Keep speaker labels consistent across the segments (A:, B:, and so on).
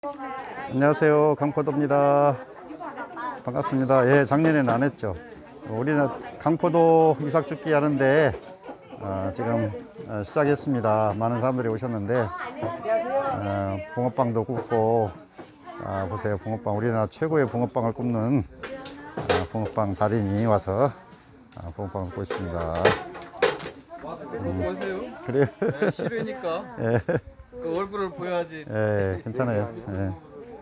A: 안녕하세요, 강포도입니다. 반갑습니다. 예, 작년에는 안 했죠. 우리는 강포도 이삭죽기 하는데 지금 시작했습니다. 많은 사람들이 오셨는데 붕어빵도 굽고 보세요. 붕어빵, 우리나라 최고의 붕어빵을 굽는 붕어빵 달인이 와서 붕어빵을 굽고 있습니다.
B: 보세요.
A: 그래요?
B: 네, 실외니까
A: 예,
B: 그 얼굴을 보여야지.
A: 예, 괜찮아요. 예.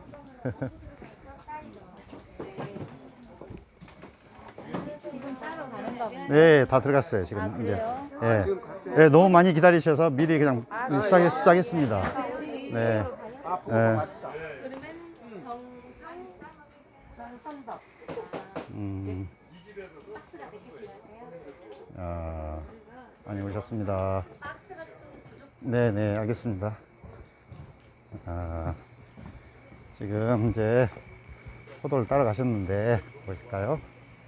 A: 네, 다 들어갔어요. 지금 이제. 예. 예, 너무 많이 기다리셔서 미리 그냥 시작했습니다. 네. 예. 많이 오셨습니다. 네, 네, 알겠습니다. 지금 이제 포도를 따라가셨는데 보실까요?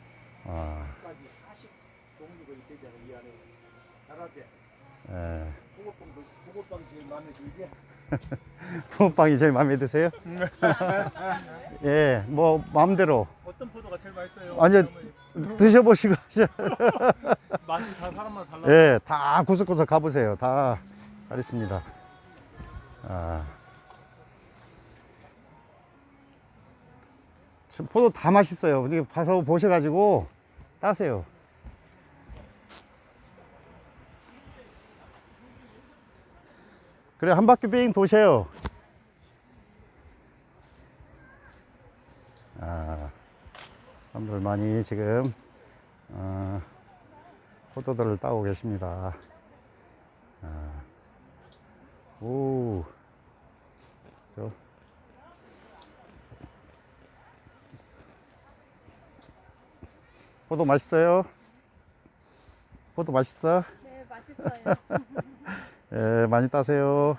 A: 예.
C: 붕어빵 제일 마음에 들지?
A: 붕어빵이 제일 마음에 드세요? 예, 뭐 마음대로.
C: 어떤 포도가 제일 맛있어요?
A: 아니, 드셔보시고
C: 맛이 다 사람마다 달라.
A: 예, 다 구석구석 가보세요. 다 있습니다. 지금 포도 다 맛있어요. 이게 가서 보셔가지고 따세요. 그래, 한 바퀴 빙 도세요. 사람들 많이 지금 포도들을 따고 계십니다. 오, 포도 맛있어요? 포도 맛있어?
D: 네, 맛있어요.
A: 예, 많이 따세요.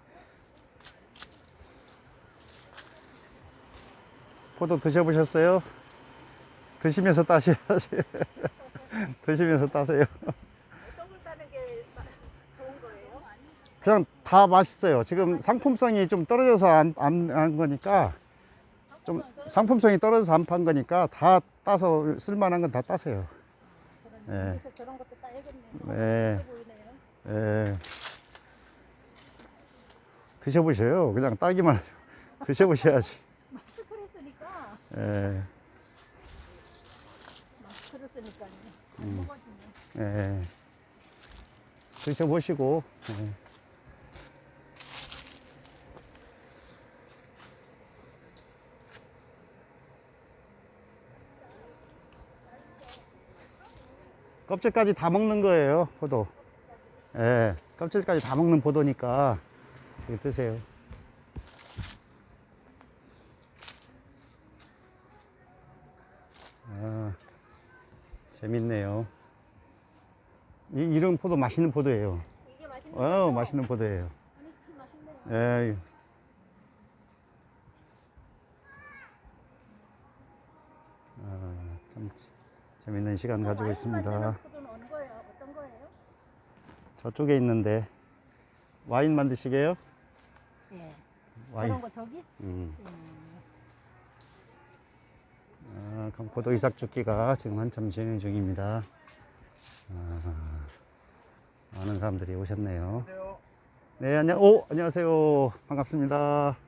A: 포도 드셔보셨어요? 드시면서 따셔야지. 드시면서 따세요.
D: 어떤 걸 따는 게 좋은 거예요?
A: 그냥 다 맛있어요. 지금 상품성이 좀 떨어져서 안 한 거니까, 좀 상품성이 떨어져서 안 판 거니까 다 따서 쓸만한 건 다 따세요. 예.
D: 그래서 저런 것도 따야겠네요.
A: 네.
D: 보이네요.
A: 예. 드셔보셔요. 그냥 따기만 하죠. 드셔보셔야지.
D: 마스크를 쓰니까.
A: 예.
D: 마스크를 쓰니까 안 먹어지네.
A: 예. 드셔보시고. 예. 껍질까지 다 먹는 거예요, 포도. 예. 껍질까지 다 먹는 포도니까 이거 드세요. 재밌네요. 이런 포도 맛있는 포도예요.
D: 이게 맛있는 거죠?
A: 맛있는 포도예요.
D: 아니, 참 맛있네요.
A: 예. 참 재밌는 시간 가지고 있습니다.
D: 만드는 포도는 어느 거예요? 어떤 거예요?
A: 저쪽에 있는데 와인 만드시게요?
D: 예.
A: 와인.
D: 저런 거 저기?
A: 강포도 이삭죽기가 지금 한참 진행 중입니다. 많은 사람들이 오셨네요. 네, 안녕하세요. 반갑습니다.